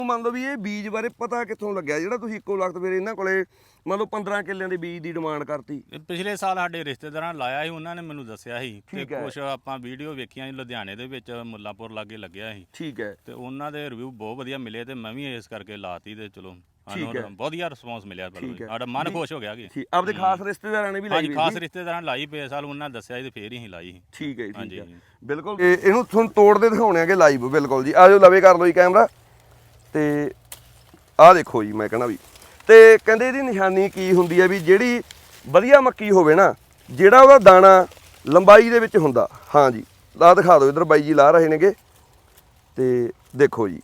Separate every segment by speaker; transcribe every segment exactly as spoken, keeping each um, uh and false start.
Speaker 1: ਮੰਨ ਲਓ ਵੀ ਇਹ ਬੀਜ ਬਾਰੇ ਪਤਾ ਕਿੱਥੋਂ ਲੱਗਿਆ ਜਿਹੜਾ ਤੁਸੀਂ ਇੱਕੋ ਲਖਤ ਫਿਰ ਇਹਨਾਂ ਕੋਲੇ ਮੰਨ ਲਓ ਪੰਦਰਾਂ ਕਿੱਲਿਆਂ ਦੇ ਬੀਜ ਦੀ ਡਿਮਾਂਡ ਕਰਤੀ?
Speaker 2: ਪਿਛਲੇ ਸਾਲ ਸਾਡੇ ਰਿਸ਼ਤੇਦਾਰਾਂ ਲਾਇਆ ਸੀ, ਉਹਨਾਂ ਨੇ ਮੈਨੂੰ ਦੱਸਿਆ ਸੀ ਤੇ ਕੁਝ ਆਪਾਂ ਵੀਡੀਓ ਵੇਖੀਆਂ ਸੀ ਲੁਧਿਆਣੇ ਦੇ ਵਿੱਚ ਮੁੱਲਾਪੁਰ ਲਾਗੇ ਲੱਗਿਆ ਸੀ।
Speaker 1: ਠੀਕ ਹੈ।
Speaker 2: ਤੇ ਉਹਨਾਂ ਦੇ ਰਿਵਿਊ ਬਹੁਤ ਵਧੀਆ ਮਿਲੇ ਤੇ ਮੈਂ ਵੀ ਇਸ ਕਰਕੇ ਲਾਤੀ ਤੇ ਚਲੋ ਸਾਨੂੰ ਵਧੀਆ ਰਿਸਪੌਂਸ ਮਿਲਿਆ। ਸਾਡਾ ਮਨ ਖੁਸ਼ ਹੋ ਗਿਆ ਕਿ
Speaker 1: ਆਪਦੇ ਖਾਸ ਰਿਸ਼ਤੇਦਾਰਾਂ ਨੇ ਵੀ ਲਾਈ?
Speaker 2: ਹਾਂਜੀ, ਖਾਸ ਰਿਸ਼ਤੇਦਾਰਾਂ ਲਾਈ ਪਏ ਸਾਲ, ਉਹਨਾਂ ਦੱਸਿਆ ਸੀ ਤੇ ਫੇਰ ਹੀ ਲਾਈ।
Speaker 1: ਠੀਕ ਹੈ ਠੀਕ ਹੈ ਬਿਲਕੁਲ। ਇਹਨੂੰ ਤੁਹਾਨੂੰ ਤੋੜਦੇ ਦਿਖਾਉਣੇ ਆਗੇ ਲਾਈਵ ਬਿਲਕੁਲ ਜੀ। ਆਜੋ ਲਵੇ ਕਰ ਲਓ ਜੀ ਕੈਮਰਾ ਤੇ ਆਹ ਦੇਖੋ ਜੀ। ਮੈਂ ਕਹਿਣਾ ਵੀ ਤੇ ਕਹਿੰਦੇ ਇਹਦੀ ਨਿਸ਼ਾਨੀ ਕੀ ਹੁੰਦੀ ਹੈ ਵੀ ਜਿਹੜੀ ਵਧੀਆ ਮੱਕੀ ਹੋਵੇ ਨਾ, ਜਿਹੜਾ ਉਹਦਾ ਦਾਣਾ ਲੰਬਾਈ ਦੇ ਵਿੱਚ ਹੁੰਦਾ। ਹਾਂ ਜੀ ਲਾ ਦਿਖਾ ਦਿਓ, ਇੱਧਰ ਬਾਈ ਜੀ ਲਾ ਰਹੇ ਨੇਗੇ ਤੇ ਦੇਖੋ ਜੀ।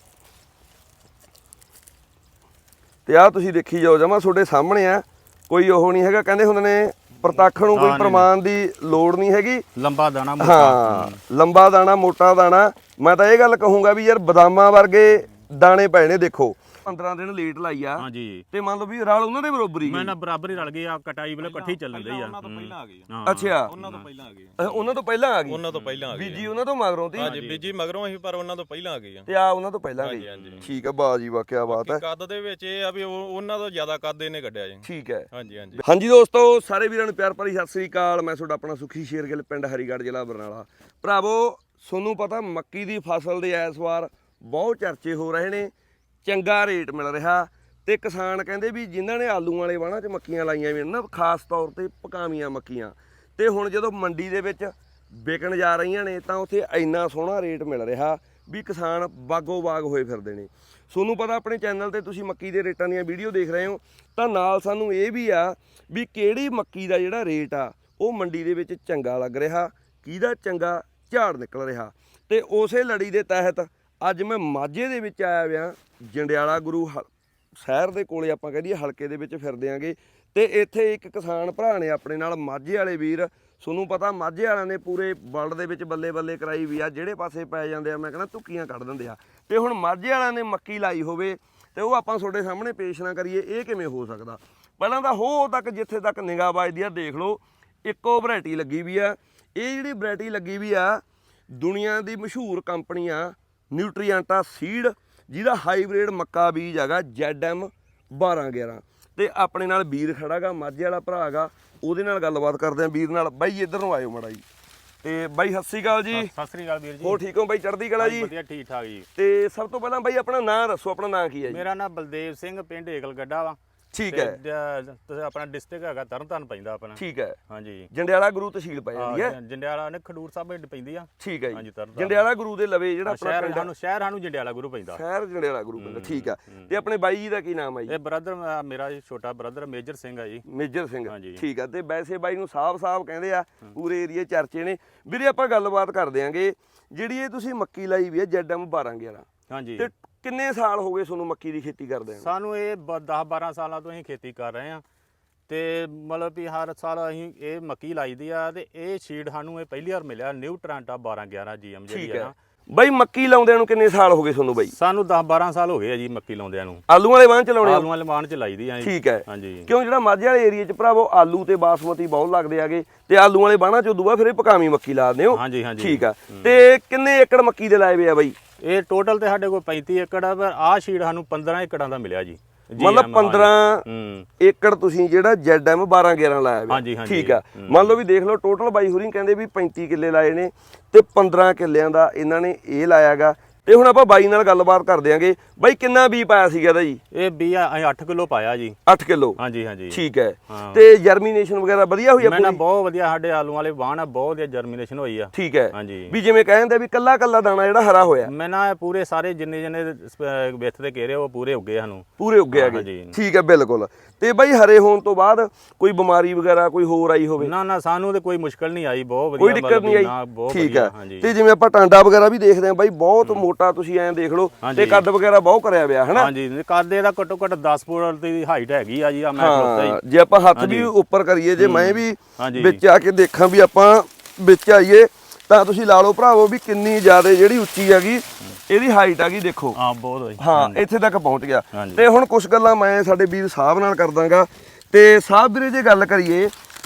Speaker 1: ਤੇ ਆਹ ਤੁਸੀਂ ਦੇਖੀ ਜਾਓ, ਜਮਾ ਤੁਹਾਡੇ ਸਾਹਮਣੇ ਆ, ਕੋਈ ਉਹ ਨਹੀਂ ਹੈਗਾ। ਕਹਿੰਦੇ ਹੁੰਦੇ ਨੇ ਪ੍ਰਤੱਖ ਨੂੰ ਕੋਈ ਪ੍ਰਮਾਣ ਦੀ ਲੋੜ ਨਹੀਂ ਹੈਗੀ।
Speaker 2: ਲੰਬਾ ਦਾਣਾ ਮੋਟਾ,
Speaker 1: ਹਾਂ ਲੰਬਾ ਦਾਣਾ ਮੋਟਾ ਦਾਣਾ। ਮੈਂ ਤਾਂ ਇਹ ਗੱਲ ਕਹੂੰਗਾ ਵੀ ਯਾਰ ਬਦਾਮਾਂ ਵਰਗੇ ਦਾਣੇ ਪਏ ਨੇ। ਦੇਖੋ ਪੰਦਰਾਂ ਦਿਨ ਲੇਟ ਲਾਈ ਆ।
Speaker 2: ਹਾਂਜੀ
Speaker 1: ਤੇ ਮੰਨ ਲਓ ਵੀ ਰਲ ਉਹਨਾਂ ਦੇ ਬਰਾਬਰ ਹੀ
Speaker 2: ਮੈਂ ਨਾ ਬਰਾਬਰ ਹੀ ਰਲ ਗਏ ਆ। ਕਟਾਈ ਵੇਲੇ ਇਕੱਠੀ ਚੱਲਣ ਦਈ ਆ।
Speaker 3: ਉਹਨਾਂ ਤੋਂ ਪਹਿਲਾਂ ਆ ਗਈ।
Speaker 1: ਅੱਛਾ
Speaker 3: ਉਹਨਾਂ ਤੋਂ ਪਹਿਲਾਂ ਆ ਗਈ।
Speaker 1: ਉਹਨਾਂ ਤੋਂ ਪਹਿਲਾਂ ਆ ਗਈ।
Speaker 3: ਉਹਨਾਂ ਤੋਂ ਪਹਿਲਾਂ ਆ ਗਈ।
Speaker 1: ਬੀਜੀ ਉਹਨਾਂ ਤੋਂ ਮਗਰੋਂ ਤੀ?
Speaker 3: ਹਾਂਜੀ ਬੀਜੀ ਮਗਰੋਂ ਅਸੀਂ, ਪਰ ਉਹਨਾਂ ਤੋਂ ਪਹਿਲਾਂ ਆ ਗਈ ਆ।
Speaker 1: ਤੇ ਆ ਉਹਨਾਂ ਤੋਂ ਪਹਿਲਾਂ ਗਈ। ਠੀਕ ਹੈ ਬਾਜੀ ਜੀ, ਵਾਹ ਕੀ ਬਾਤ ਹੈ।
Speaker 3: ਕੱਦ ਦੇ ਵਿੱਚ ਇਹ ਆ ਵੀ ਉਹਨਾਂ ਤੋਂ ਜ਼ਿਆਦਾ ਕੱਦ ਇਹਨੇ ਕੱਢਿਆ ਜੀ।
Speaker 1: ਠੀਕ ਹੈ।
Speaker 3: ਹਾਂਜੀ ਹਾਂਜੀ
Speaker 1: ਹਾਂਜੀ ਦੋਸਤੋ, ਸਾਰੇ ਵੀਰਾਂ ਨੂੰ ਪਿਆਰ ਭਰੀ ਸਤਿ ਸ੍ਰੀ ਅਕਾਲ। ਮੈਂ ਤੁਹਾਡਾ ਆਪਣਾ ਸੁਖੀ ਸ਼ੇਰਗਿੱਲ, ਪਿੰਡ ਹਰੀਗੜ੍ਹ, ਜ਼ਿਲ੍ਹਾ ਬਰਨਾਲਾ। ਭਰਾਵੋ ਤੁਹਾਨੂੰ ਪਤਾ ਮੱਕੀ ਦੀ ਫਸਲ ਦੇ ਇਸ ਵਾਰ ਬਹੁਤ ਚਰਚੇ ਹੋ ਰਹੇ ਨੇ, ਚੰਗਾ ਰੇਟ ਮਿਲ ਰਿਹਾ ਤੇ ਕਿਸਾਨ ਕਹਿੰਦੇ ਵੀ ਜਿਨ੍ਹਾਂ ਨੇ ਆਲੂ ਵਾਲੇ ਵਾਹਣਾਂ 'ਚ ਮੱਕੀਆਂ ਲਾਈਆਂ ਵੀ ਨਾ, ਖਾਸ ਤੌਰ ਤੇ ਪਕਾਵੀਆਂ ਮੱਕੀਆਂ, ਤੇ ਹੁਣ ਜਦੋਂ ਮੰਡੀ ਦੇ ਵਿੱਚ ਵਿਕਣ ਜਾ ਰਹੀਆਂ ਨੇ ਤਾਂ ਉੱਥੇ ਇੰਨਾ ਸੋਹਣਾ ਰੇਟ ਮਿਲ ਰਿਹਾ ਵੀ ਕਿਸਾਨ ਬਾਗੋ ਬਾਗ ਹੋਏ ਫਿਰਦੇ ਨੇ। ਤੁਹਾਨੂੰ ਪਤਾ ਆਪਣੇ ਚੈਨਲ ਤੇ ਤੁਸੀਂ ਮੱਕੀ ਦੇ ਰੇਟਾਂ ਦੀਆਂ ਵੀਡੀਓ ਦੇਖ ਰਹੇ ਹੋ, ਤਾਂ ਨਾਲ ਸਾਨੂੰ ਇਹ ਵੀ ਆ ਵੀ ਕਿਹੜੀ ਮੱਕੀ ਦਾ ਜਿਹੜਾ ਰੇਟ ਆ ਉਹ ਮੰਡੀ ਦੇ ਵਿੱਚ ਚੰਗਾ ਲੱਗ ਰਿਹਾ, ਕਿਹਦਾ ਚੰਗਾ ਝਾੜ ਨਿਕਲ ਰਿਹਾ। ਤੇ ਉਸੇ ਲੜੀ ਦੇ ਤਹਿਤ ਅੱਜ ਮੈਂ ਮਾਝੇ ਦੇ ਵਿੱਚ ਆਇਆ ਵਿਆਂ, ਜੰਡਿਆਲਾ ਗੁਰੂ ਸ਼ਹਿਰ ਦੇ ਕੋਲੇ ਆਪਾਂ ਕਹਿ ਦਈਏ ਹਲਕੇ ਦੇ ਵਿੱਚ ਫਿਰਦੇ ਆਂਗੇ। ਤੇ ਇੱਥੇ ਇੱਕ ਕਿਸਾਨ ਭਰਾ ਨੇ ਆਪਣੇ ਨਾਲ, ਮਾਝੇ ਵਾਲੇ ਵੀਰ। ਤੁਹਾਨੂੰ ਪਤਾ ਮਾਝੇ ਵਾਲਿਆਂ ਨੇ ਪੂਰੇ ਵਰਲਡ ਦੇ ਵਿੱਚ ਬੱਲੇ ਬੱਲੇ ਕਰਾਈ ਵੀ ਆ, ਜਿਹੜੇ ਪਾਸੇ ਪੈ ਜਾਂਦੇ ਆ ਮੈਂ ਕਹਿੰਦਾ ਧੁੱਕੀਆਂ ਕੱਢ ਦਿੰਦੇ ਆ। ਤੇ ਹੁਣ ਮਾਝੇ ਵਾਲਿਆਂ ਨੇ ਮੱਕੀ ਲਾਈ ਹੋਵੇ ਤੇ ਉਹ ਆਪਾਂ ਤੁਹਾਡੇ ਸਾਹਮਣੇ ਪੇਸ਼ ਨਾ ਕਰੀਏ, ਇਹ ਕਿਵੇਂ ਹੋ ਸਕਦਾ? ਪਹਿਲਾਂ ਤਾਂ ਹੋ ਤੱਕ ਜਿੱਥੇ ਤੱਕ ਨਿਗਾਹ ਵੱਜਦੀ ਆ ਦੇਖ ਲਓ, ਇੱਕੋ ਵੈਰਾਈਟੀ ਲੱਗੀ ਵੀ ਆ। ਇਹ ਜਿਹੜੀ ਵੈਰਾਈਟੀ ਲੱਗੀ ਵੀ ਆ ਦੁਨੀਆ ਦੀ ਮਸ਼ਹੂਰ ਕੰਪਨੀ ਆ ਨਿਊਟਰੀਐਂਟਾ ਸੀਡ, ਜਿਹਦਾ ਹਾਈਬ੍ਰਿਡ ਮੱਕਾ ਬੀਜ ਹੈਗਾ ਜ਼ੈਡ ਐਮ ਬਾਰਾਂ ਗਿਆਰਾਂ। ਤੇ ਆਪਣੇ ਨਾਲ ਵੀਰ ਖੜਾ ਗਾ, ਮਾਝੇ ਵਾਲਾ ਭਰਾ ਹੈਗਾ, ਉਹਦੇ ਨਾਲ ਗੱਲਬਾਤ ਕਰਦੇ ਆ ਵੀਰ ਨਾਲ। ਬਾਈ ਇੱਧਰ ਨੂੰ ਆਇਓ ਮਾੜਾ ਜੀ। ਤੇ ਬਾਈ ਸਤਿ ਸ੍ਰੀ ਅਕਾਲ ਜੀ।
Speaker 2: ਸਤਿ ਸ੍ਰੀ ਅਕਾਲ ਵੀਰ ਜੀ।
Speaker 1: ਹੋਰ ਠੀਕ ਹੋ ਬਾਈ? ਚੜ੍ਹਦੀ ਕਲਾ ਜੀ।
Speaker 2: ਵਧੀਆ ਠੀਕ ਠਾਕ ਜੀ।
Speaker 1: ਤੇ ਸਭ ਤੋਂ ਪਹਿਲਾਂ ਬਾਈ ਆਪਣਾ ਨਾਂ ਦੱਸੋ, ਆਪਣਾ ਨਾਂ ਕੀ ਹੈ ਜੀ?
Speaker 2: ਮੇਰਾ ਨਾਮ ਬਲਦੇਵ ਸਿੰਘ, ਪਿੰਡ ਏਕਲ ਗੱਡਾ ਵਾ।
Speaker 1: ਠੀਕ ਹੈ।
Speaker 2: ਤੁਸੀਂ ਆਪਣਾ ਡਿਸਟ੍ਰਿਕਟ ਹੈਗਾ ਤਰਨਤਾਰਨ ਪੈਂਦਾ ਆਪਣਾ।
Speaker 1: ਠੀਕ ਹੈ।
Speaker 2: ਹਾਂਜੀ
Speaker 1: ਜੰਡਿਆਲਾ ਗੁਰੂ ਤਹਿਸੀਲ ਪੈ ਜਾਂਦੀ ਹੈ।
Speaker 2: ਜੰਡਿਆਲਾ ਨੇ ਖਡੂਰ ਸਾਹਿਬ ਵਿੱਚ ਪੈਂਦੀ ਆ।
Speaker 1: ਠੀਕ ਹੈ ਜੀ। ਜੰਡਿਆਲਾ ਗੁਰੂ ਦੇ ਲਵੇ ਜਿਹੜਾ ਆਪਣਾ
Speaker 2: ਪਿੰਡ ਸਾਨੂੰ ਸ਼ਹਿਰ ਸਾਨੂੰ ਜੰਡਿਆਲਾ ਗੁਰੂ ਪੈਂਦਾ।
Speaker 1: ਸ਼ਹਿਰ ਜੰਡਿਆਲਾ ਗੁਰੂ ਪੈਂਦਾ। ਠੀਕ ਆ। ਤੇ ਆਪਣੇ ਬਾਈ ਜੀ ਦਾ ਕੀ ਨਾਮ ਹੈ ਜੀ?
Speaker 2: ਇਹ ਬ੍ਰਦਰ ਮੇਰਾ ਛੋਟਾ ਬ੍ਰਦਰ ਮੇਜਰ ਸਿੰਘ ਆ ਜੀ।
Speaker 1: ਮੇਜਰ ਸਿੰਘ। ਠੀਕ ਆ। ਤੇ ਵੈਸੇ ਬਾਈ ਨੂੰ ਸਾਹਿਬ ਸਾਹਿਬ ਕਹਿੰਦੇ ਆ, ਪੂਰੇ ਏਰੀਏ ਚਰਚੇ ਨੇ। ਵੀਰੇ ਆਪਾਂ ਗੱਲਬਾਤ ਕਰ ਦਿਆਂਗੇ, ਜਿਹੜੀ ਇਹ ਤੁਸੀਂ ਮੱਕੀ ਲਾਈ ਵੀ ਹੈ ਜ਼ੈਡ ਐਮ ਬਾਰਾਂ ਗਿਆਰਾਂ।
Speaker 2: ਹਾਂਜੀ।
Speaker 1: ਤੇ ਕਿੰਨੇ ਸਾਲ ਹੋ ਗਏ ਤੁਹਾਨੂੰ ਮੱਕੀ ਦੀ ਖੇਤੀ ਕਰਦੇ ਆ?
Speaker 2: ਸਾਨੂੰ ਇਹ ਦਸ ਬਾਰਾਂ ਸਾਲਾਂ ਤੋਂ ਅਸੀਂ ਖੇਤੀ ਕਰ ਰਹੇ ਆ ਤੇ ਮਤਲਬ ਵੀ ਹਰ ਸਾਲ ਅਸੀਂ ਇਹ ਮੱਕੀ ਲਾਈਦੀ ਆ। ਤੇ ਇਹ ਸੀਡ ਸਾਨੂੰ ਇਹ ਪਹਿਲੀ ਵਾਰ ਮਿਲਿਆ ਨਿਊਟਰੈਂਟਾ ਬਾਰਾਂ ਗਿਆਰਾਂ ਜੀ ਐਮ ਜਿਹੜੀ ਆ ਨਾ।
Speaker 1: ਬਾਈ ਮੱਕੀ ਲਾਉਂਦਿਆਂ ਨੂੰ ਕਿੰਨੇ ਸਾਲ ਹੋ ਗਏ ਤੁਹਾਨੂੰ ਬਾਈ?
Speaker 2: ਸਾਨੂੰ ਦਸ ਬਾਰਾਂ ਸਾਲ ਹੋ ਗਏ ਆ ਜੀ ਮੱਕੀ ਲਾਉਂਦਿਆਂ ਨੂੰ।
Speaker 1: ਆਲੂ ਵਾਲੇ ਵਾਹਣ ਚ ਲਾਉਣੇ?
Speaker 2: ਆਲੂ ਵਾਲੇ ਵਾਹਣ ਚ ਲਾਈਦੀ ਆ ਜੀ।
Speaker 1: ਠੀਕ ਹੈ।
Speaker 2: ਹਾਂਜੀ।
Speaker 1: ਕਿਉਂ ਜਿਹੜਾ ਮਾਝੇ ਵਾਲੇ ਏਰੀਏ ਚ ਭਰਾਵੋ ਆਲੂ ਤੇ ਬਾਸਮਤੀ ਬਹੁਤ ਲੱਗਦੇ ਆਗੇ, ਤੇ ਆਲੂ ਵਾਲੇ ਵਾਹਣਾਂ ਚੋਂ ਦੂਆ ਫਿਰ ਇਹ ਪਕਾਵੀਂ ਮੱਕੀ ਲਾ ਦਿੰਦੇ ਹੋ?
Speaker 2: ਹਾਂਜੀ ਹਾਂਜੀ।
Speaker 1: ਠੀਕ ਆ। ਤੇ ਕਿੰਨੇ ਏਕੜ ਮੱਕੀ ਦੇ ਲਾਏ ਵੇ ਆ ਬਾਈ?
Speaker 2: ਇਹ ਟੋਟਲ ਤੇ ਸਾਡੇ ਕੋਲ ਪੈਂਤੀ ਏਕੜ ਆ, ਪਰ ਆਹ ਸ਼ੀਡ ਸਾਨੂੰ ਪੰਦਰਾਂ ਏਕੜਾਂ ਦਾ ਮਿਲਿਆ ਜੀ।
Speaker 1: ਮਤਲਬ ਪੰਦਰਾਂ ਏਕੜ ਤੁਸੀਂ ਜਿਹੜਾ ਜ਼ੈਡ ਐਮ ਬਾਰਾਂ ਗਿਆਰਾਂ ਲਾਇਆ ਵੇ। ਠੀਕ ਆ। ਮੰਨ ਲਓ ਵੀ ਦੇਖ ਲਓ ਟੋਟਲ ਬਾਈ ਹੋਰੀ ਕਹਿੰਦੇ ਵੀ ਪੈਂਤੀ ਕਿੱਲੇ ਲਾਏ ਨੇ ਤੇ ਪੰਦਰਾਂ ਕਿੱਲਿਆਂ ਦਾ ਇਹਨਾਂ ਨੇ ਇਹ ਲਾਇਆਗਾ। ਤੇ ਹੁਣ ਆਪਾਂ ਬਾਈ ਨਾਲ ਗੱਲਬਾਤ ਕਰ ਦਿਆਂਗੇ। ਬਾਈ ਕਿੰਨਾ ਬੀ ਪਾਇਆ ਸੀਗਾ ਇਹਦਾ ਜੀ?
Speaker 2: ਇਹ ਬੀ ਅਸੀਂ ਅੱਠ ਕਿਲੋ ਪਾਇਆ ਜੀ।
Speaker 1: ਅੱਠ ਕਿਲੋ?
Speaker 2: ਹਾਂਜੀ ਹਾਂਜੀ।
Speaker 1: ਠੀਕ ਹੈ। ਤੇ ਜਰਮੀਨੇਸ਼ਨ ਵਗੈਰਾ ਵਧੀਆ ਹੋਈ ਆ?
Speaker 2: ਮੈਂ ਨਾ ਬਹੁਤ ਵਧੀਆ, ਸਾਡੇ ਆਲੂ ਵਾਲੇ ਵਾਹਣ ਆ, ਬਹੁਤ ਵਧੀਆ ਜਰਮੀਨੇਸ਼ਨ ਹੋਈ ਆ।
Speaker 1: ਠੀਕ ਹੈ।
Speaker 2: ਹਾਂਜੀ।
Speaker 1: ਵੀ ਜਿਵੇਂ ਕਹਿੰਦੇ ਵੀ ਕੱਲਾ ਕੱਲਾ ਦਾਣਾ ਜਿਹੜਾ ਹਰਾ ਹੋਇਆ?
Speaker 2: ਮੈਂ ਨਾ ਪੂਰੇ ਸਾਰੇ ਜਿੰਨੇ ਜਿੰਨੇ ਵਿੱਥ ਦੇ ਘੇਰੇ ਉਹ ਪੂਰੇ ਉੱਗੇ ਸਾਨੂੰ।
Speaker 1: ਪੂਰੇ ਉੱਗੇ ਹੈਗੇ? ਠੀਕ ਹੈ ਬਿਲਕੁਲ। ਤੇ ਬਾਈ ਹਰੇ ਹੋਣ ਤੋਂ ਬਾਅਦ ਕੋਈ ਬਿਮਾਰੀ ਵਗੈਰਾ ਕੋਈ ਹੋਰ ਆਈ ਹੋਵੇ?
Speaker 2: ਨਾ ਨਾ ਸਾਨੂੰ ਤੇ ਕੋਈ ਮੁਸ਼ਕਲ ਨਹੀਂ ਆਈ, ਬਹੁਤ ਵਧੀਆ।
Speaker 1: ਕੋਈ ਦਿੱਕਤ ਨਹੀਂ ਆਈ? ਠੀਕ ਹੈ।
Speaker 2: ਹਾਂਜੀ।
Speaker 1: ਤੇ ਜਿਵੇਂ ਆਪਾਂ ਟਾਂਡਾ ਵਗੈਰਾ ਵੀ ਦੇਖਦੇ ਆਂ ਬਾਈ, ਬਹੁਤ ਮੋਟਾ ਤੁਸੀਂ ਐਂ ਦੇਖ ਲਓ, ਤੇ ਕੱਦ ਵਗੈਰਾ ਬਹੁਤ ਕਰਿਆ ਵਿਆ ਹਨਾ?
Speaker 2: ਹਾਂਜੀ। ਕੱਦ ਇਹਦਾ ਘੱਟੋ ਘੱਟ ਦਸ ਫੁੱਟ ਦੀ ਹਾਈਟ ਹੈਗੀ ਆ ਜੀ। ਆ ਮੈਂ ਖਲੋਤਾ ਜੀ।
Speaker 1: ਜੇ ਆਪਾਂ ਹੱਥ ਵੀ ਉੱਪਰ ਕਰੀਏ, ਜੇ ਮੈਂ ਵੀ ਵਿੱਚ ਆ ਕੇ ਦੇਖਾਂ ਵੀ ਆਪਾਂ ਵਿੱਚ ਆਈਏ, ਤਾਂ ਤੁਸੀਂ ਲਾ ਲਓ ਭਰਾਵੋ ਵੀ ਕਿੰਨੀ ਜ਼ਿਆਦਾ ਜਿਹੜੀ ਉੱਚੀ ਹੈਗੀ ਇਹਦੀ ਹਾਈਟ ਹੈਗੀ। ਦੇਖੋ
Speaker 2: ਹਾਂ ਬਹੁਤ।
Speaker 1: ਹਾਂ ਇੱਥੇ ਤੱਕ ਪਹੁੰਚ ਗਿਆ। ਤੇ ਹੁਣ ਕੁਝ ਗੱਲਾਂ ਮੈਂ ਸਾਡੇ ਵੀਰ ਸਾਹਿਬ ਨਾਲ ਕਰ ਦਾਂਗਾ। ਤੇ ਸਾਹਿਬ ਵੀਰੇ ਜੇ ਗੱਲ ਕਰੀਏ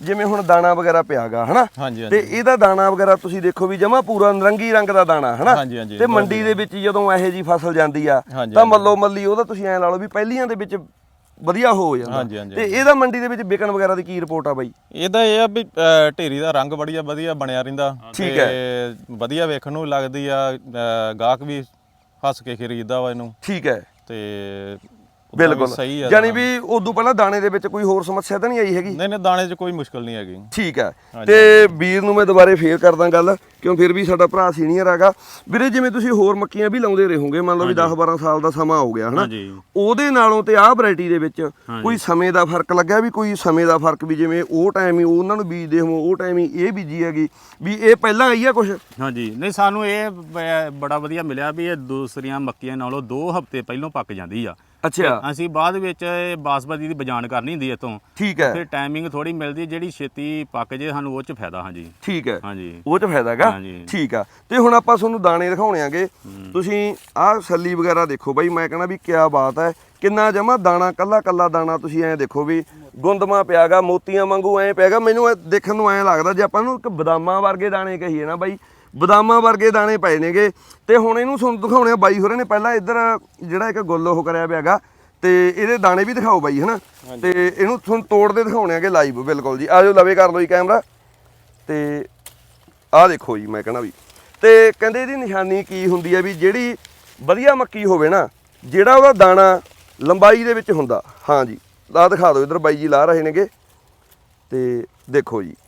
Speaker 1: ਜਿਵੇਂ ਹੁਣ ਦਾਣਾ ਵਗੈਰਾ ਪਿਆਗਾ ਹਨਾ
Speaker 3: ਹਾਂਜੀ
Speaker 1: ਤੇ ਇਹਦਾ ਦਾਣਾ ਵਗੈਰਾ ਤੁਸੀਂ ਦੇਖੋ ਵੀ ਜਮਾ ਪੂਰਾ ਨਰੰਗੀ ਰੰਗ ਦਾ ਦਾਣਾ ਹਨਾ
Speaker 3: ਹਾਂਜੀ, ਹਾਂਜੀ,
Speaker 1: ਤੇ ਮੰਡੀ ਦੇ ਵਿੱਚ ਜਦੋਂ ਇਹੋ ਜੀ ਫਸਲ ਜਾਂਦੀ ਆ
Speaker 3: ਹਾਂਜੀ,
Speaker 1: ਤਾਂ ਮੱਲੋ ਮੱਲੀ ਉਹਦਾ ਤੁਸੀਂ ਐ ਲਾ ਲਓ ਵੀ ਪਹਿਲੀਆਂ ਦੇ ਵਿੱਚ ਵਧੀਆ ਹੋ ਜਾਂਦਾ
Speaker 3: ਹਾਂਜੀ, ਹਾਂਜੀ,
Speaker 1: ਤੇ ਇਹਦਾ ਮੰਡੀ ਦੇ ਵਿੱਚ ਵਿਕਣ ਵਗੈਰਾ ਦੀ ਕੀ ਰਿਪੋਰਟ ਆ ਬਾਈ?
Speaker 3: ਇਹਦਾ ਇਹ ਆ ਵੀ ਅ, ਢੇਰੀ ਦਾ ਰੰਗ ਬੜੀਆ ਵਧੀਆ ਬਣਿਆ ਰਹਿੰਦਾ
Speaker 1: ਠੀਕ
Speaker 3: ਤੇ ਵਧੀਆ ਵੇਖਣ ਨੂੰ ਲੱਗਦੀ ਆ, ਅ, ਗਾਹਕ ਵੀ ਹੱਸ ਕੇ ਖਰੀਦਦਾ ਵਾ ਇਹਨੂੰ
Speaker 1: ਠੀਕ ਹੈ
Speaker 3: ਤੇ ਉੱਦਾਂ ਵੀ
Speaker 1: ਬਿਲਕੁਲ
Speaker 3: ਸਹੀ ਆ
Speaker 1: ਯਾਨੀ
Speaker 3: ਦਾਣਾ।
Speaker 1: ਵੀ ਉਦੋਂ ਪਹਿਲਾਂ ਦਾਣੇ ਦੇ ਵਿੱਚ ਕੋਈ ਹੋਰ ਸਮੱਸਿਆ ਤਾਂ ਨਹੀਂ ਆਈ ਹੈਗੀ?
Speaker 3: ਨਹੀਂ ਨਹੀਂ ਦਾਣੇ 'ਚ ਕੋਈ ਮੁਸ਼ਕਲ ਨਹੀਂ ਹੈਗੀ।
Speaker 1: ਠੀਕ ਹੈ ਤੇ ਵੀਰ ਨੂੰ ਮੈਂ ਦੁਬਾਰੇ ਫੇਰ ਕਰਦਾ ਗੱਲ ਕਿਉਂ ਫਿਰ ਵੀ ਸਾਡਾ ਭਰਾ ਸੀਨੀਅਰ ਹੈਗਾ ਵੀਰੇ। ਜਿਵੇਂ ਤੁਸੀਂ ਹੋਰ ਮੱਕੀਆਂ ਵੀ ਲਾਉਂਦੇ ਰਹੋਗੇ ਮੰਨ ਲਓ ਵੀ ਦਸ ਬਾਰਾਂ ਸਾਲ ਦਾ ਸਮਾਂ ਹੋ ਗਿਆ ਹਨਾ,
Speaker 2: ਹਾਂਜੀ
Speaker 1: ਉਹਦੇ ਨਾਲੋਂ ਤੇ ਆਹ ਵੈਰਾਈਟੀ ਦੇ ਵਿੱਚ ਕੋਈ ਸਮੇਂ ਦਾ ਫਰਕ ਲੱਗਿਆ ਵੀ ਕੋਈ ਸਮੇਂ ਦਾ ਫਰਕ ਵੀ ਜਿਵੇਂ ਉਹ ਟਾਈਮ ਹੀ ਉਹਨਾਂ ਨੂੰ ਬੀਜਦੇ ਹੋ ਉਹ ਟਾਈਮ ਹੀ ਇਹ ਬੀਜੀ ਹੈਗੀ ਵੀ ਇਹ ਪਹਿਲਾਂ ਆਈ ਆ ਕੁਛ?
Speaker 2: ਹਾਂਜੀ ਨਹੀਂ ਸਾਨੂੰ ਇਹ ਬ- ਬੜਾ ਵਧੀਆ ਮਿਲਿਆ ਵੀ ਇਹ ਦੂਸਰੀਆਂ ਮੱਕੀਆਂ ਨਾਲੋਂ ਦੋ ਹਫ਼ਤੇ ਪਹਿਲਾਂ ਪੱਕ ਜਾਂਦੀ ਆ।
Speaker 1: ਅੱਛਾ
Speaker 2: ਅਸੀਂ ਬਾਅਦ ਵਿੱਚ ਇਹ ਬਾਸਮਤੀ ਦੀ ਬਜਾਨ ਕਰਨੀ ਹੁੰਦੀ ਇਤੋਂ,
Speaker 1: ਠੀਕ ਹੈ
Speaker 2: ਫਿਰ ਟਾਈਮਿੰਗ ਥੋੜੀ ਮਿਲਦੀ ਜਿਹੜੀ ਛੇਤੀ ਪੱਕ ਜੇ ਸਾਨੂੰ ਉਹ ਚ ਫਾਇਦਾ। ਹਾਂਜੀ
Speaker 1: ਠੀਕ ਹੈ
Speaker 2: ਹਾਂਜੀ
Speaker 1: ਉਹ ਚ ਫਾਇਦਾ ਹੈਗਾ।
Speaker 2: ਹਾਂਜੀ।
Speaker 1: ਠੀਕ ਆ ਤੇ ਹੁਣ ਆਪਾਂ ਤੁਹਾਨੂੰ ਦਾਣੇ ਦਿਖਾਉਣੇ ਆਗੇ। ਤੁਸੀਂ ਆਹ ਛੱਲੀ ਵਗੈਰਾ ਦੇਖੋ ਬਾਈ, ਮੈਂ ਕਹਿੰਦਾ ਵੀ ਕਿਆ ਬਾਤ ਹੈ, ਕਿੰਨਾ ਜਮਾ ਦਾਣਾ ਕੱਲਾ ਕੱਲਾ ਦਾਣਾ ਤੁਸੀਂ ਐਂ ਦੇਖੋ ਵੀ ਗੁੰਦਮਾ ਪਿਆਗਾ ਮੋਤੀਆਂ ਵਾਂਗੂ ਐਂ ਪਿਆਗਾ। ਮੈਨੂੰ ਇਹ ਦੇਖਣ ਨੂੰ ਐਂ ਲੱਗਦਾ ਜੇ ਆਪਾਂ ਨੂੰ ਇੱਕ ਬਦਾਮਾਂ ਵਰਗੇ ਦਾਣੇ ਕਹੀਏ ਨਾ ਬਾਈ, ਬਦਾਮਾਂ ਵਰਗੇ ਦਾਣੇ ਪਏ ਨੇਗੇ। ਤੇ ਹੁਣ ਇਹਨੂੰ ਤੁਹਾਨੂੰ ਦਿਖਾਉਣੇ ਆ ਬਾਈ ਹੋਰਾਂ ਨੇ ਪਹਿਲਾਂ ਇੱਧਰ ਜਿਹੜਾ ਇੱਕ ਗੁੱਲ ਉਹ ਕਰਿਆ ਪਿਆਗਾ ਤੇ ਇਹਦੇ ਦਾਣੇ ਵੀ ਦਿਖਾਓ ਬਾਈ ਹਨਾ, ਤੇ ਇਹਨੂੰ ਤੁਹਾਨੂੰ ਤੋੜਦੇ ਦਿਖਾਉਣੇ ਆਗੇ ਲਾਈਵ। ਬਿਲਕੁਲ ਜੀ ਆਜੋ ਲਵੇ ਕਰ ਲਓ ਜੀ ਕੈਮਰਾ ਤੇ ਆਹ ਦੇਖੋ ਜੀ। ਮੈਂ ਕਹਿਣਾ ਵੀ ਤੇ ਕਹਿੰਦੇ ਇਹਦੀ ਨਿਸ਼ਾਨੀ ਕੀ ਹੁੰਦੀ ਹੈ ਵੀ ਜਿਹੜੀ ਵਧੀਆ ਮੱਕੀ ਹੋਵੇ ਨਾ ਜਿਹੜਾ ਉਹਦਾ ਦਾਣਾ ਲੰਬਾਈ ਦੇ ਵਿੱਚ ਹੁੰਦਾ। ਹਾਂ ਜੀ ਲਾ ਦਿਖਾ ਦਿਓ ਇੱਧਰ ਬਾਈ ਜੀ ਲਾ ਰਹੇ ਨੇਗੇ ਤੇ ਦੇਖੋ ਜੀ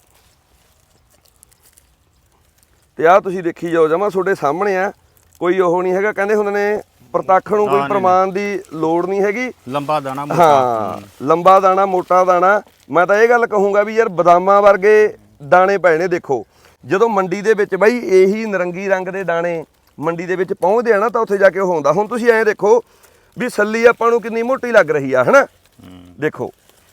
Speaker 1: ਤੇ ਆਹ ਤੁਸੀਂ ਦੇਖੀ ਜਾਓ ਜਮਾ ਤੁਹਾਡੇ ਸਾਹਮਣੇ ਆ, ਕੋਈ ਉਹ ਨਹੀਂ ਹੈਗਾ। ਕਹਿੰਦੇ ਹੁੰਦੇ ਨੇ ਪ੍ਰਤੱਖ ਨੂੰ ਕੋਈ ਪ੍ਰਮਾਣ ਦੀ ਲੋੜ ਨਹੀਂ ਹੈਗੀ।
Speaker 2: ਲੰਬਾ ਦਾਣਾ ਮੋਟਾ।
Speaker 1: ਹਾਂ ਲੰਬਾ ਦਾਣਾ ਮੋਟਾ ਦਾਣਾ। ਮੈਂ ਤਾਂ ਇਹ ਗੱਲ ਕਹੂੰਗਾ ਵੀ ਯਾਰ ਬਦਾਮਾਂ ਵਰਗੇ ਦਾਣੇ ਪਏ ਨੇ। ਦੇਖੋ ਜਦੋਂ ਮੰਡੀ ਦੇ ਵਿੱਚ ਬਾਈ ਇਹੀ ਨਰੰਗੀ ਰੰਗ ਦੇ ਦਾਣੇ ਮੰਡੀ ਦੇ ਵਿੱਚ ਪਹੁੰਚਦੇ ਆ ਨਾ ਤਾਂ ਉੱਥੇ ਜਾ ਕੇ ਉਹ ਹੁੰਦਾ। ਹੁਣ ਤੁਸੀਂ ਐਂ ਦੇਖੋ ਵੀ ਸੱਲੀ ਆਪਾਂ ਨੂੰ ਕਿੰਨੀ ਮੋਟੀ ਲੱਗ ਰਹੀ ਆ ਹਨਾ। ਦੇਖੋ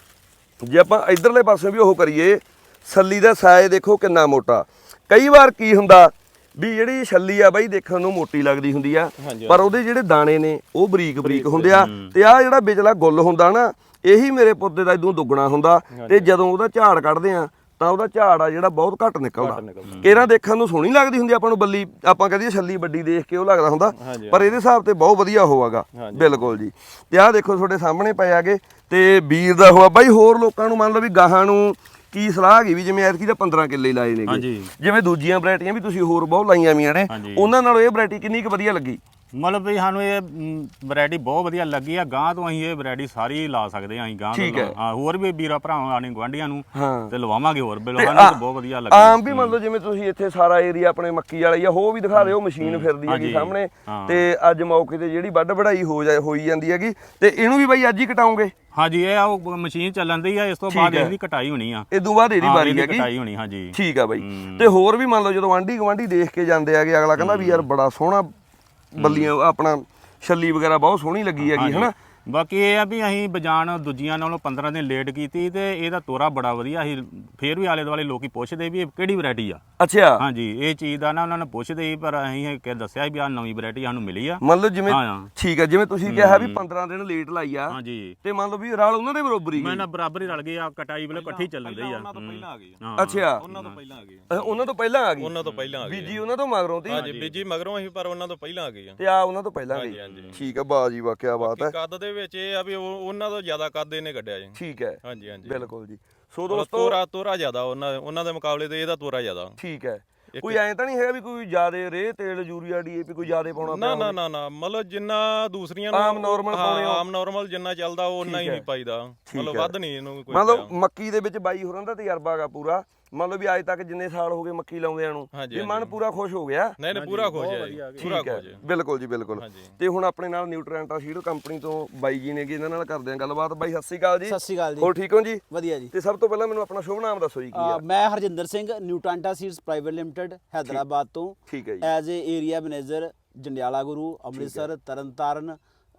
Speaker 1: ਜੇ ਆਪਾਂ ਇਧਰਲੇ ਪਾਸੇ ਵੀ ਉਹ ਕਰੀਏ ਸੱਲੀ ਦਾ ਸਾਇਜ਼ ਦੇਖੋ ਕਿੰਨਾ ਮੋਟਾ। ਕਈ ਵਾਰ ਕੀ ਹੁੰਦਾ ਵੀ ਜਿਹੜੀ ਛੱਲੀ ਆ ਬਾਈ ਦੇਖਣ ਨੂੰ ਮੋਟੀ ਲੱਗਦੀ ਹੁੰਦੀ ਆ ਪਰ ਉਹਦੇ ਜਿਹੜੇ ਦਾਣੇ ਨੇ ਉਹ ਬਰੀਕ ਬਰੀਕ ਹੁੰਦੇ ਆ। ਤੇ ਆ ਜਿਹੜਾ ਵਿਚਲਾ ਗੁੱਲ ਹੁੰਦਾ ਨਾ ਇਹੀ ਮੇਰੇ ਪੁੱਤੇ ਦਾ ਇਦੋਂ ਦੁੱਗਣਾ ਹੁੰਦਾ। ਤੇ ਜਦੋਂ ਉਹਦਾ ਝਾੜ ਕੱਢਦੇ ਆ ਤਾਂ ਉਹਦਾ ਝਾੜ ਆ ਜਿਹੜਾ ਬਹੁਤ ਘੱਟ ਨਿਕਲਦਾ। ਕਿਹੜਾ ਦੇਖਣ ਨੂੰ ਸੋਹਣੀ ਲੱਗਦੀ ਹੁੰਦੀ ਆਪਾਂ ਨੂੰ ਬੱਲੀ, ਆਪਾਂ ਕਹਦੇ ਛੱਲੀ ਵੱਡੀ ਦੇਖ ਕੇ ਉਹ ਲੱਗਦਾ ਹੁੰਦਾ ਪਰ ਇਹਦੇ ਹਿਸਾਬ ਤੇ ਬਹੁਤ ਵਧੀਆ ਹੋਵਾਗਾ। ਬਿਲਕੁਲ ਜੀ ਤੇ ਆਹ ਦੇਖੋ ਤੁਹਾਡੇ ਸਾਹਮਣੇ ਪਏ ਆਗੇ ਤੇ ਵੀਰ ਦਾ ਹੋਆ ਬਾਈ। ਹੋਰ ਲੋਕਾਂ ਨੂੰ ਮੰਨ ਲਓ ਵੀ ਗਾਹਾਂ ਨੂੰ ਕੀ ਸਲਾਹ ਹੈਗੀ ਵੀ ਜਿਵੇਂ ਐਤਕੀ ਤਾਂ ਪੰਦਰਾਂ ਕਿੱਲੇ ਲਾਏ ਨੇਗੇ, ਜਿਵੇਂ ਦੂਜੀਆਂ ਵੈਰਾਈਟੀਆਂ ਵੀ ਤੁਸੀਂ ਹੋਰ ਬਹੁਤ ਲਾਈਆਂ ਵੀਆਂ ਨੇ, ਉਹਨਾਂ ਨਾਲੋਂ ਇਹ ਵੈਰਾਈਟੀ ਕਿੰਨੀ ਕੁ ਵਧੀਆ ਲੱਗੀ?
Speaker 2: ਮਤਲਬ ਵੀ ਸਾਨੂੰ ਇਹ ਵੈਰਾਈਟੀ ਬਹੁਤ ਵਧੀਆ ਲੱਗੀ ਆ। ਗਾਂ ਤੋਂ ਅਸੀਂ ਇਹ ਵੈਰਾਈਟੀ ਸਾਰੀ ਲਾ ਸਕਦੇ ਆ। ਅਸੀਂ ਗਾਂ ਤੋਂ ਹਾਂ ਹੋਰ ਵੀ ਵੀਰਾਂ ਭਰਾਵਾਂ ਆਣੇ ਗਵਾਂਢੀਆਂ ਨੂੰ ਤੇ ਲਵਾਵਾਂਗੇ ਹੋਰ ਬਿਲੋ। ਸਾਨੂੰ ਤਾਂ ਬਹੁਤ ਵਧੀਆ ਲੱਗੀ।
Speaker 1: ਆਮ ਵੀ ਮੰਨ ਲਓ ਜਿਵੇਂ ਤੁਸੀਂ ਇੱਥੇ ਸਾਰਾ ਏਰੀਆ ਆਪਣੇ ਮੱਕੀ ਵਾਲੀ ਆ ਹੋ ਵੀ ਦਿਖਾ ਰਹੇ ਹੋ, ਮਸ਼ੀਨ ਫਿਰਦੀ ਹੈਗੀ ਸਾਹਮਣੇ ਤੇ ਅੱਜ ਮੌਕੇ ਤੇ ਜਿਹੜੀ ਵੱਢ ਵਢਾਈ ਹੋ ਜਾ ਹੋਈ ਜਾਂਦੀ ਹੈਗੀ ਤੇ ਇਹਨੂੰ ਵੀ ਬਾਈ ਅੱਜ ਹੀ ਕਟਾਉਂਗੇ?
Speaker 2: ਹਾਂਜੀ ਇਹ ਆ ਮਸ਼ੀਨ ਚੱਲਣ ਦੀ ਆ, ਇਸ ਤੋਂ ਬਾਅਦ ਇਹਦੀ ਕਟਾਈ ਹੋਣੀ ਆ।
Speaker 1: ਇਹ ਤੋਂ ਬਾਅਦ ਇਹਦੀ ਵਾਰੀ ਹੈਗੀ
Speaker 2: ਕਟਾਈ ਹੋਣੀ। ਹਾਂਜੀ
Speaker 1: ਠੀਕ ਆ ਬਾਈ। ਤੇ ਹੋਰ ਵੀ ਮੰਨ ਲਓ ਜਦੋਂ ਆਂਢੀ ਗਵਾਂਢੀ ਦੇਖ ਕੇ ਜਾਂਦੇ ਆਗੇ ਅਗਲਾ ਕਹਿੰਦਾ ਵੀ ਯਾਰ ਬੜਾ ਸੋਹਣਾ ਬੱਲੀਆਂ ਆਪਣਾ ਛੱਲੀ ਵਗੈਰਾ ਬਹੁਤ ਸੋਹਣੀ ਲੱਗੀ ਹੈਗੀ ਹਨਾ।
Speaker 2: ਬਾਕੀ ਇਹ ਆ ਵੀ ਅਸੀਂ ਬਜਾਨ ਦੂਜੀਆਂ ਨਾਲੋਂ ਪੰਦਰਾਂ ਦਿਨ ਲੇਟ ਕੀਤੀ ਤੇ ਇਹਦਾ ਤੋਰਾ ਬੜਾ ਵਧੀਆ ਸੀ। ਫੇਰ ਵੀ ਆਲੇ ਦੁਆਲੇ ਲੋਕੀ ਪੁੱਛਦੇ ਵੀ ਇਹ ਕਿਹੜੀ ਵੈਰਾਈਟੀ ਆ। ਅੱਛਾ ਹਾਂਜੀ ਇਹ ਚੀਜ਼ ਦਾ ਨਾ ਉਹਨਾਂ ਨੇ ਪੁੱਛਦੇ ਸੀ ਪਰ ਅਸੀਂ ਕਿ ਦੱਸਿਆ ਵੀ ਆ ਨਵੀਂ ਵੈਰਾਈਟੀ ਸਾਨੂੰ ਮਿਲੀ ਆ।
Speaker 1: ਮੰਨ ਲਓ ਜਿਵੇਂ ਠੀਕ ਆ ਜਿਵੇਂ ਤੁਸੀਂ ਕਿਹਾ ਵੀ ਪੰਦਰਾਂ ਦਿਨ ਲੇਟ ਲਾਈ ਆ।
Speaker 2: ਹਾਂਜੀ
Speaker 1: ਤੇ ਮੰਨ ਲਓ ਵੀ ਰਲ ਉਹਨਾਂ ਦੇ ਬਰੋਬਰ ਹੀ
Speaker 2: ਮੈਂ ਨਾ ਬਰਾਬਰ ਹੀ ਰਲ ਗਏ ਆ। ਕਟਾਈ ਵੇਲੇ ਇਕੱਠੀ ਚੱਲਣ ਰਹੀ ਆ।
Speaker 3: ਉਹਨਾਂ ਤੋਂ ਪਹਿਲਾਂ ਆ ਗਈ।
Speaker 1: ਅੱਛਾ
Speaker 3: ਉਹਨਾਂ ਤੋਂ ਪਹਿਲਾਂ ਆ ਗਈ।
Speaker 1: ਉਹਨਾਂ ਤੋਂ ਪਹਿਲਾਂ ਆ ਗਈ।
Speaker 3: ਉਹਨਾਂ ਤੋਂ ਪਹਿਲਾਂ ਆ ਗਈ
Speaker 1: ਬੀਜੀ ਉਹਨਾਂ ਤੋਂ ਮਗਰੋਂ ਤੀ।
Speaker 3: ਹਾਂਜੀ ਬੀਜੀ ਮਗਰੋਂ ਅਸੀਂ ਪਰ ਉਹਨਾਂ ਤੋਂ ਪਹਿਲਾਂ ਆ ਗਈ ਆ
Speaker 1: ਤੇ ਆ ਉਹਨਾਂ ਤੋਂ ਪਹਿਲਾਂ ਗਈ। ਠੀਕ ਆ ਬਾਜੀ ਵਾਹ ਕਿਆ ਬਾਤ ਹੈ।
Speaker 3: ਕੱਦ ਦੇ ਵਿੱਚ ਇਹ ਆ ਵੀ ਉਹਨਾਂ ਤੋਂ ਜ਼ਿਆਦਾ ਕੱਦ ਇਹਨੇ ਕੱਢਿਆ ਜੀ।
Speaker 1: ਠੀਕ ਹੈ
Speaker 3: ਹਾਂਜੀ ਹਾਂਜੀ
Speaker 1: ਬਿਲਕੁਲ ਜੀ। ਸੋ ਦੋਸਤੋ
Speaker 3: ਤੋਰਾ ਤੋਰਾ ਜ਼ਿਆਦਾ ਉਹਨਾਂ ਉਹਨਾਂ ਦੇ ਮੁਕਾਬਲੇ ਤੇ ਇਹਦਾ ਤੋਰਾ ਜ਼ਿਆਦਾ।
Speaker 1: ਠੀਕ ਹੈ ਕੋਈ ਐਂ ਤਾਂ ਨਹੀਂ ਹੈਗਾ ਵੀ ਕੋਈ ਜ਼ਿਆਦੇ ਰੇ ਤੇਲ ਯੂਰੀਆ ਡੀਏਪੀ ਕੋਈ ਜ਼ਿਆਦੇ ਪਾਉਣਾ
Speaker 3: ਨਾ ਨਾ ਨਾ ਨਾ ਮਤਲਬ ਜਿੰਨਾ ਦੂਸਰੀਆਂ ਨੂੰ
Speaker 1: ਆਮ ਨਾਰਮਲ ਪਾਉਣੇ
Speaker 3: ਆਮ ਨਾਰਮਲ ਜਿੰਨਾ ਚੱਲਦਾ ਉਹ ਉਨਾ ਹੀ ਨਹੀਂ ਪਾਈਦਾ। ਮਤਲਬ ਵੱਧ ਨਹੀਂ ਇਹਨੂੰ ਕੋਈ।
Speaker 1: ਮਤਲਬ ਮੱਕੀ ਦੇ ਵਿੱਚ ਬਾਈ ਹੋਰਾਂ ਦਾ ਤਜਰਬਾ ਹੈਗਾ ਪੂਰਾ। ਮੰਨ ਲਓ ਵੀ ਅੱਜ ਤੱਕ ਜਿੰਨੇ ਸਾਲ ਹੋ ਗਏ ਮੱਕੀ ਲਾਉਂਦਿਆਂ ਨੂੰ ਵੀ ਮਨ ਪੂਰਾ ਖੁਸ਼ ਹੋ ਗਿਆ।
Speaker 3: ਨਹੀਂ ਨਹੀਂ ਪੂਰਾ ਖੁਸ਼ ਹੈ ਪੂਰਾ ਖੁਸ਼ ਹੈ।
Speaker 1: ਬਿਲਕੁਲ ਜੀ ਬਿਲਕੁਲ। ਤੇ ਹੁਣ ਆਪਣੇ ਨਾਲ ਨਿਊਟ੍ਰੈਂਟਾ ਸੀਡ ਕੰਪਨੀ ਤੋਂ ਬਾਈ ਜੀ ਨੇਗੇ, ਇਹਨਾਂ ਨਾਲ ਕਰਦੇ ਆਂ ਗੱਲਬਾਤ। ਬਾਈ ਸਤਿ ਸ਼੍ਰੀ ਅਕਾਲ ਜੀ।
Speaker 4: ਸਤਿ ਸ਼੍ਰੀ ਅਕਾਲ ਜੀ।
Speaker 1: ਹੋਰ ਠੀਕ ਹੋ ਜੀ?
Speaker 4: ਵਧੀਆ ਜੀ।
Speaker 1: ਤੇ ਸਭ ਤੋਂ ਪਹਿਲਾਂ ਮੈਨੂੰ ਆਪਣਾ ਸ਼ੁਭ ਨਾਮ ਦੱਸੋ ਜੀ ਕੀ ਆ?
Speaker 4: ਮੈਂ Harjinder Singh Nutrenta seeds private limited Hyderabad ਤੋਂ।
Speaker 1: ਠੀਕ ਹੈ ਜੀ।
Speaker 4: As a area manager Jandiala Guru Amritsar Tarn Taran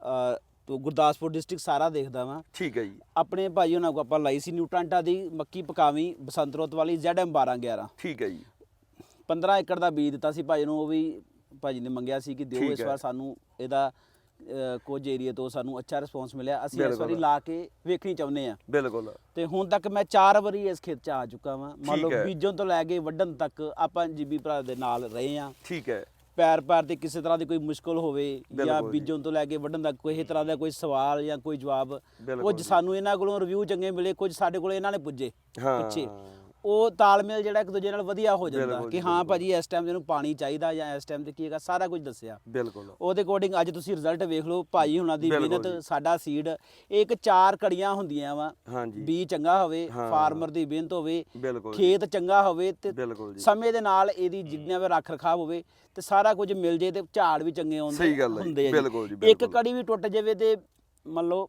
Speaker 4: ਤੋਂ ਗੁਰਦਾਸਪੁਰ ਡਿਸਟ੍ਰਿਕਟ ਸਾਰਾ ਦੇਖਦਾ ਵਾਂ।
Speaker 1: ਠੀਕ ਹੈ ਜੀ।
Speaker 4: ਆਪਣੇ ਭਾਈ ਉਹਨਾਂ ਕੋ ਆਪਾਂ ਲਾਈ ਸੀ ਨਿਊਟ੍ਰੈਂਟਾ ਦੀ ਮੱਕੀ ਪਕਾਵੀ ਬਸੰਤ ਰੁੱਤ ਵਾਲੀ ਜ਼ੈਡ ਐਮ ਬਾਰਾਂ ਗਿਆਰਾਂ।
Speaker 1: ਠੀਕ ਹੈ ਜੀ।
Speaker 4: ਪੰਦਰਾਂ ਏਕੜ ਦਾ ਬੀਜ ਦਿੱਤਾ ਸੀ ਭਾਈ ਨੂੰ, ਉਹ ਵੀ ਭਾਜੀ ਨੇ ਮੰਗਿਆ ਸੀ ਕਿ ਦਿਓ ਇਸ ਵਾਰ ਸਾਨੂੰ ਇਹਦਾ ਅ, ਕੁਝ ਏਰੀਆ ਤੋਂ ਸਾਨੂੰ ਅੱਛਾ ਰਿਸਪੌਂਸ ਮਿਲਿਆ। ਅਸੀਂ ਇਸ ਵਾਰੀ ਲਾ ਕੇ ਵੇਖਣੀ ਚਾਹੁੰਦੇ ਆ।
Speaker 1: ਬਿਲਕੁਲ।
Speaker 4: ਤੇ ਹੁਣ ਤੱਕ ਮੈਂ ਚਾਰ ਵਾਰੀ ਇਸ ਖੇਤ 'ਚ ਆ ਚੁੱਕਾ ਵਾਂ। ਮੰਨ ਲਓ
Speaker 1: ਠੀਕ ਹੈ।
Speaker 4: ਬੀਜਣ ਤੋਂ ਲੈ ਕੇ ਵੱਢਣ ਤੱਕ ਆਪਾਂ ਜੀਬੀ ਭਰਾ ਦੇ ਨਾਲ ਰਹੇ ਆ।
Speaker 1: ਠੀਕ ਹੈ।
Speaker 4: ਪੈਰ ਪੈਰ ਤੇ ਕਿਸੇ ਤਰ੍ਹਾਂ ਦੀ ਕੋਈ ਮੁਸ਼ਕਲ ਹੋਵੇ ਜਾਂ
Speaker 1: ਬਿਲਕੁਲ ਜੀ।
Speaker 4: ਬੀਜਣ ਤੋਂ ਲੈ ਕੇ ਵੱਢਣ ਤੱਕ ਕੋਈ ਤਰ੍ਹਾਂ ਦਾ ਕੋਈ ਸਵਾਲ ਜਾਂ ਕੋਈ ਜਵਾਬ,
Speaker 1: ਬਿਲਕੁਲ
Speaker 4: ਕੁਝ
Speaker 1: ਜੀ।
Speaker 4: ਸਾਨੂੰ ਇਹਨਾਂ ਕੋਲੋਂ ਰਿਵਿਊ ਚੰਗੇ ਮਿਲੇ, ਕੁਝ ਸਾਡੇ ਕੋਲ ਇਹਨਾਂ ਨੇ ਪੁੱਜੇ
Speaker 1: ਹਾਂ।
Speaker 4: ਪਿੱਛੇ। ਉਹ ਤਾਲਮੇਲ ਜਿਹੜਾ ਇੱਕ ਦੂਜੇ ਨਾਲ ਵਧੀਆ ਹੋ ਜਾਂਦਾ
Speaker 1: ਬਿਲਕੁਲ
Speaker 4: ਕਿ
Speaker 1: ਜੀ,
Speaker 4: ਹਾਂ ਭਾਜੀ ਇਸ ਟਾਈਮ ਇਹਨੂੰ ਪਾਣੀ ਚਾਹੀਦਾ ਜਾਂ ਇਸ ਟਾਈਮ ਤੇ ਕੀ ਹੈਗਾ, ਸਾਰਾ ਕੁਝ ਦੱਸਿਆ।
Speaker 1: ਬਿਲਕੁਲ।
Speaker 4: ਉਹਦੇ ਅਕੋਰਡਿੰਗ ਅੱਜ ਤੁਸੀਂ ਰਿਜ਼ਲਟ ਵੇਖ ਲਓ ਭਾਈ ਹੁਣਾਂ ਦੀ
Speaker 1: ਬਿਲਕੁਲ
Speaker 4: ਮਿਹਨਤ,
Speaker 1: ਜੀ।
Speaker 4: ਸਾਡਾ ਸੀਡ ਇੱਕ ਚਾਰ ਕੜੀਆਂ ਹੁੰਦੀਆਂ ਵਾ।
Speaker 1: ਹਾਂਜੀ।
Speaker 4: ਬੀ ਚੰਗਾ ਹੋਵੇ,
Speaker 1: ਹਾਂ।
Speaker 4: ਫਾਰਮਰ ਦੀ ਮਿਹਨਤ ਹੋਵੇ,
Speaker 1: ਬਿਲਕੁਲ ਜੀ।
Speaker 4: ਖੇਤ ਚੰਗਾ ਹੋਵੇ ਤੇ
Speaker 1: ਬਿਲਕੁਲ ਜੀ।
Speaker 4: ਸਮੇਂ ਦੇ ਨਾਲ ਇਹਦੀ ਜਿੰਨਾ ਵੀ ਰੱਖ ਰਖਾਵ ਹੋਵੇ ਤੇ ਸਾਰਾ ਕੁਝ ਮਿਲ ਜੇ ਤੇ ਝਾੜ ਵੀ ਚੰਗੇ ਆਉਂਦੇ
Speaker 1: ਸਹੀ ਗੱਲ ਹੈ ਜੀ।
Speaker 4: ਹੁੰਦੇ ਆ
Speaker 1: ਬਿਲਕੁਲ ਜੀ,
Speaker 4: ਇੱਕ
Speaker 1: ਬਿਲਕੁਲ।
Speaker 4: ਕੜੀ ਵੀ ਟੁੱਟ ਜਾਵੇ ਤੇ ਮੰਨ ਲਓ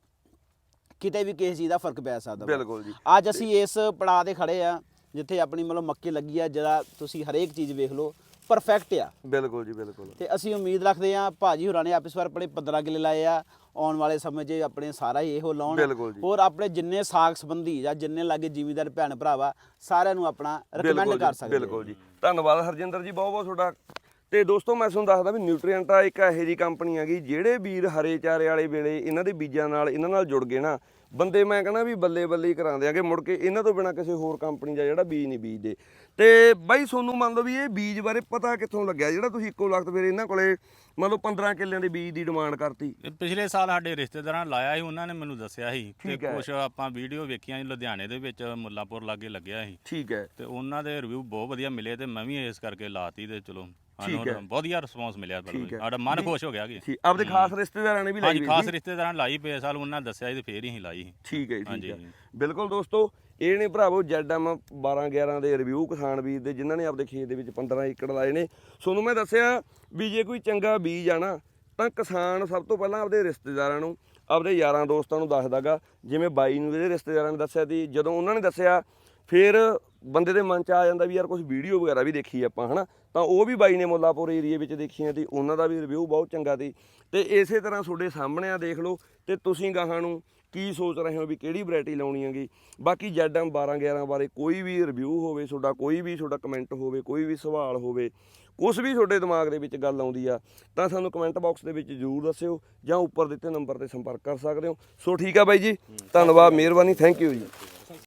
Speaker 4: ਕਿਤੇ ਵੀ ਕਿਸੇ ਚੀਜ਼ ਦਾ ਫਰਕ ਪੈ ਸਕਦਾ ਵਾ।
Speaker 1: ਬਿਲਕੁਲ ਜੀ।
Speaker 4: ਅੱਜ ਅਸੀਂ ਇਸ ਪੜਾਅ ਤੇ ਖੜੇ ਆ ਜਿੱਥੇ ਆਪਣੀ ਮਤਲਬ ਮੱਕੀ ਲੱਗੀ ਆ, ਜਿਹੜਾ ਤੁਸੀਂ ਹਰੇਕ ਚੀਜ਼ ਵੇਖ ਲਓ ਪਰਫੈਕਟ ਆ।
Speaker 1: ਬਿਲਕੁਲ ਜੀ, ਬਿਲਕੁਲ।
Speaker 4: ਤੇ ਅਸੀਂ ਉਮੀਦ ਰੱਖਦੇ ਆ ਭਾਜੀ ਹੋਰਾਂ ਨੇ ਆਪ ਇਸ ਵਾਰ ਆਪਣੇ ਪੰਦਰਾਂ ਕਿੱਲੇ ਲਾਏ ਆ, ਆਉਣ ਵਾਲੇ ਸਮੇਂ 'ਚ ਆਪਣੇ ਸਾਰਾ ਹੀ ਇਹੋ ਲਾਉਣ।
Speaker 1: ਬਿਲਕੁਲ ਜੀ।
Speaker 4: ਹੋਰ ਆਪਣੇ ਜਿੰਨੇ ਸਾਖ ਸੰਬੰਧੀ ਜਾਂ ਜਿੰਨੇ ਲਾਗੇ ਜ਼ਿਮੀਂਦਾਰ ਭੈਣ ਭਰਾਵਾ ਸਾਰਿਆਂ ਨੂੰ ਆਪਣਾ ਰეკਮੈਂਡ
Speaker 1: ਬਿਲਕੁਲ
Speaker 4: ਕਰ
Speaker 1: ਜੀ,
Speaker 4: ਸਕਦੇ ਆ।
Speaker 1: ਬਿਲਕੁਲ ਜੀ। ਧੰਨਵਾਦ ਹਰਜਿੰਦਰ ਜੀ, ਬਹੁਤ ਬਹੁਤ ਤੁਹਾਡਾ। ਤੇ ਦੋਸਤੋ ਮੈਂ ਤੁਹਾਨੂੰ ਦੱਸਦਾ ਵੀ ਨਿਊਟ੍ਰੀਐਂਟ ਆ ਇੱਕ ਇਹੋ ਜਿਹੀ ਕੰਪਨੀ ਹੈਗੀ, ਜਿਹੜੇ ਵੀਰ ਹਰੇ ਚਾਰੇ ਵਾਲੇ ਵੇਲੇ ਇਹਨਾਂ ਦੇ ਬੀਜਾਂ ਨਾਲ ਇਹਨਾਂ ਨਾਲ ਜੁੜ ਗਏ ਨਾ, ਬੰਦੇ ਮੈਂ ਕਹਿੰਦਾ ਵੀ ਬੱਲੇ ਬੱਲੇ ਹੀ ਕਰਾਉਂਦੇ ਆਗੇ, ਮੁੜ ਕੇ ਇਹਨਾਂ ਤੋਂ ਬਿਨਾ ਕਿਸੇ ਹੋਰ ਕੰਪਨੀ ਦਾ ਜਿਹੜਾ ਬੀਜ ਨਹੀਂ ਬੀਜਦੇ। ਤੇ ਬਾਈ ਤੁਹਾਨੂੰ ਮੰਨ ਲਓ ਵੀ ਇਹ ਬੀਜ ਬਾਰੇ ਪਤਾ ਕਿੱਥੋਂ ਲੱਗਿਆ ਜਿਹੜਾ ਤੁਸੀਂ ਇੱਕੋ ਲਖਤ ਫਿਰ ਇਹਨਾਂ ਕੋਲੇ ਮੰਨ ਲਓ ਪੰਦਰਾਂ ਕਿੱਲਿਆਂ ਦੇ ਬੀਜ ਦੀ ਡਿਮਾਂਡ ਕਰਤੀ?
Speaker 2: ਇਹ ਪਿਛਲੇ ਸਾਲ ਸਾਡੇ ਰਿਸ਼ਤੇਦਾਰਾਂ ਨੇ ਲਾਇਆ ਸੀ, ਉਹਨਾਂ ਨੇ ਮੈਨੂੰ ਦੱਸਿਆ ਸੀ ਤੇ
Speaker 1: ਠੀਕ ਹੈ।
Speaker 2: ਕੁਝ ਆਪਾਂ ਵੀਡੀਓ ਵੇਖੀਆਂ ਸੀ ਲੁਧਿਆਣੇ ਦੇ ਵਿੱਚ, ਮੁੱਲਾਪੁਰ ਲਾਗੇ ਲੱਗਿਆ ਸੀ
Speaker 1: ਠੀਕ ਹੈ।
Speaker 2: ਤੇ ਉਹਨਾਂ ਦੇ ਰਿਵਿਊ ਬਹੁਤ ਵਧੀਆ ਮਿਲੇ ਤੇ ਮੈਂ ਵੀ ਇਸ ਕਰਕੇ ਲਾਤੀ ਤੇ ਚਲੋ
Speaker 1: ਠੀਕ ਹੈ।
Speaker 2: ਸਾਨੂੰ ਵਧੀਆ ਰਿਸਪੌਂਸ ਮਿਲਿਆ।
Speaker 1: ਠੀਕ ਹੈ।
Speaker 2: ਸਾਡਾ ਮਨ ਖੁਸ਼ ਹੋ ਗਿਆ ਕਿ
Speaker 1: ਠੀਕ, ਆਪਦੇ ਖਾਸ ਰਿਸ਼ਤੇਦਾਰਾਂ ਨੇ ਵੀ ਲਾਈ
Speaker 2: ਹਾਂਜੀ
Speaker 1: ਹੋਈ
Speaker 2: ਖਾਸ
Speaker 1: ਸੀ?
Speaker 2: ਰਿਸ਼ਤੇਦਾਰਾਂ ਨੇ ਲਾਈ ਪਏ ਸਾਲ, ਉਹਨਾਂ ਨੇ ਦੱਸਿਆ ਸੀ ਤੇ ਫੇਰ ਹੀ ਅਸੀਂ ਲਾਈ ਸੀ।
Speaker 1: ਠੀਕ ਹੈ ਜੀ, ਠੀਕ
Speaker 2: ਹਾਂਜੀ,
Speaker 1: ਹੈ।
Speaker 2: ਹਾਂਜੀ।
Speaker 1: ਬਿਲਕੁਲ ਦੋਸਤੋ, ਇਹ ਨੇ ਭਰਾਵੋ ਜੈਡ ਐਮ ਬਾਰਾਂ ਗਿਆਰਾਂ ਦੇ ਰਿਵਿਊ ਕਿਸਾਨ ਵੀਰ ਦੇ, ਜਿਨ੍ਹਾਂ ਨੇ ਆਪਦੇ ਖੇਤ ਦੇ ਵਿੱਚ ਪੰਦਰਾਂ ਏਕੜ ਲਾਏ ਨੇ। ਤੁਹਾਨੂੰ ਮੈਂ ਦੱਸਿਆ ਵੀ ਜੇ ਕੋਈ ਚੰਗਾ ਬੀਜ ਆ ਨਾ ਤਾਂ ਕਿਸਾਨ ਸਭ ਤੋਂ ਪਹਿਲਾਂ ਆਪਦੇ ਰਿਸ਼ਤੇਦਾਰਾਂ ਨੂੰ, ਆਪਦੇ ਯਾਰਾਂ ਦੋਸਤਾਂ ਨੂੰ ਦੱਸਦਾਗਾ। ਜਿਵੇਂ ਬਾਈ ਨੂੰ ਇਹਦੇ ਰਿਸ਼ਤੇਦਾਰਾਂ ਨੇ ਦੱਸਿਆ ਸੀ, ਜਦੋਂ ਉਹਨਾਂ ਨੇ ਦੱਸਿਆ ਫਿਰ ਬੰਦੇ ਦੇ ਮਨ 'ਚ ਆ ਜਾਂਦਾ ਵੀ ਯਾਰ ਕੁਝ ਵੀਡੀਓ ਵਗੈਰਾ ਵੀ ਦੇਖੀ ਆਪਾਂ, ਹੈ ਨਾ। ਤਾਂ ਉਹ ਵੀ ਬਾਈ ਨੇ ਮੁੱਲਾਪੁਰ ਏਰੀਏ ਵਿੱਚ ਦੇਖੀਆਂ ਸੀ, ਉਹਨਾਂ ਦਾ ਵੀ ਰਿਵਿਊ ਬਹੁਤ ਚੰਗਾ ਸੀ। ਤੇ ਇਸੇ ਤਰ੍ਹਾਂ ਤੁਹਾਡੇ ਸਾਹਮਣੇ ਆ, ਦੇਖ ਲਓ ਤੇ ਤੁਸੀਂ ਗਾਹਾਂ ਨੂੰ ਕੀ ਸੋਚ ਰਹੇ ਹੋ ਵੀ ਕਿਹੜੀ ਵੈਰਾਈਟੀ ਲਾਉਣੀ ਹੈਗੀ। ਬਾਕੀ ਜੈਡ ਐਮ ਬਾਰਾਂ ਗਿਆਰਾਂ ਬਾਰੇ ਕੋਈ ਵੀ ਰਿਵਿਊ ਹੋਵੇ ਤੁਹਾਡਾ, ਕੋਈ ਵੀ ਤੁਹਾਡਾ ਕਮੈਂਟ ਹੋਵੇ, ਕੋਈ ਵੀ ਸਵਾਲ ਹੋਵੇ, ਕੁਛ ਵੀ ਤੁਹਾਡੇ ਦਿਮਾਗ ਦੇ ਵਿੱਚ ਗੱਲ ਆਉਂਦੀ ਆ ਤਾਂ ਸਾਨੂੰ ਕਮੈਂਟ ਬਾਕਸ ਦੇ ਵਿੱਚ ਜ਼ਰੂਰ ਦੱਸਿਓ ਜਾਂ ਉੱਪਰ ਦਿੱਤੇ ਨੰਬਰ ਤੇ ਸੰਪਰਕ ਕਰ ਸਕਦੇ ਹੋ। ਸੋ ਠੀਕ ਆ ਬਾਈ ਜੀ, ਧੰਨਵਾਦ, ਮਿਹਰਬਾਨੀ, ਥੈਂਕ ਯੂ ਜੀ।